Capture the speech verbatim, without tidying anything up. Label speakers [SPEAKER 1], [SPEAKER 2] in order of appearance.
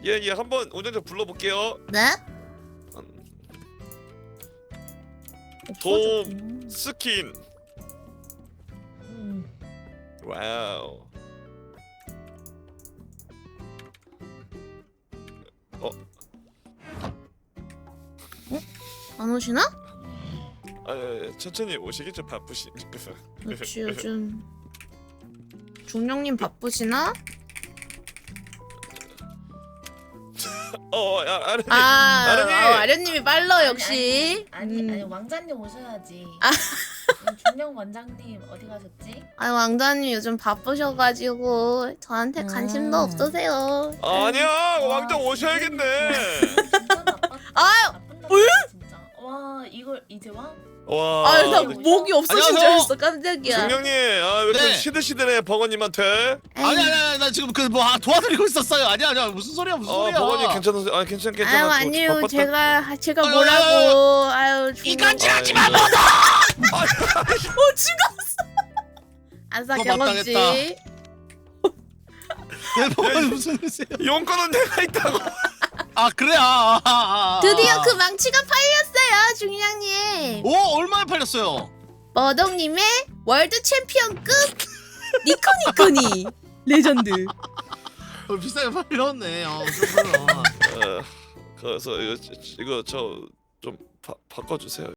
[SPEAKER 1] 예예 한번 운전자 불러볼게요.
[SPEAKER 2] 네?
[SPEAKER 1] 돔 스킨.
[SPEAKER 2] 음.
[SPEAKER 1] 와우. 어?
[SPEAKER 2] 안 오시나?
[SPEAKER 1] 아, 예, 예, 천천히 오시겠죠 바쁘시니까.
[SPEAKER 2] 그렇지 요즘 중령님 바쁘시나?
[SPEAKER 1] 어, 야, 아련님.
[SPEAKER 2] 아,
[SPEAKER 1] 아련님.
[SPEAKER 2] 어, 아련님이 빨라 역시.
[SPEAKER 3] 아니
[SPEAKER 2] 음.
[SPEAKER 3] 아니 왕자님 오셔야지.
[SPEAKER 2] 아.
[SPEAKER 3] 중령 원장님 어디 가셨지?
[SPEAKER 2] 아 왕자님 요즘 바쁘셔가지고 저한테
[SPEAKER 3] 음.
[SPEAKER 2] 관심도 없으세요.
[SPEAKER 1] 아니야 왕자 오셔야겠네.
[SPEAKER 3] 진짜 나빴다.
[SPEAKER 2] 아유,
[SPEAKER 3] 나쁜 남자 진짜. 와 이걸 이제 와?
[SPEAKER 1] 와.
[SPEAKER 2] 아유 나
[SPEAKER 3] 네.
[SPEAKER 2] 목이 없어진 줄
[SPEAKER 4] 안녕하세요.
[SPEAKER 2] 알았어 깜짝이야.
[SPEAKER 1] 중령님, 아왜 이렇게
[SPEAKER 4] 네.
[SPEAKER 1] 시들시들해 버거님한테?
[SPEAKER 2] 에이,
[SPEAKER 4] 아니 아니 아니 나 지금 그 뭐 도와드리고 있었어요. 아니야 아니야 무슨 소리야 무슨
[SPEAKER 1] 어
[SPEAKER 4] 소리야.
[SPEAKER 1] 버거님 괜찮으세요? 아 괜찮 괜찮아.
[SPEAKER 2] 아유
[SPEAKER 1] 저
[SPEAKER 2] 아니요
[SPEAKER 1] 바빴다.
[SPEAKER 2] 제가 제가
[SPEAKER 4] 아유,
[SPEAKER 2] 뭐라고 아유 중령.
[SPEAKER 4] 이간질하지 마
[SPEAKER 1] 아이고.
[SPEAKER 4] 뭐.
[SPEAKER 2] 어 죽었어. 안사
[SPEAKER 4] 또
[SPEAKER 2] 경험치.
[SPEAKER 4] 마땅했다. 내 버거님 무슨 일이세요?
[SPEAKER 1] 용건은 내가 있다고.
[SPEAKER 4] 아 그래 아, 아, 아, 아.
[SPEAKER 2] 드디어 그 망치가 팔렸어요 중령님.
[SPEAKER 4] 오 얼마에 팔렸어요?
[SPEAKER 2] 머덕님의 월드 챔피언급 니코니코니 레전드.
[SPEAKER 4] 어, 비싸게 팔렸네. 어, 그렇구나.
[SPEAKER 1] 어, 그래서 이거 이거 저 좀 바꿔주세요.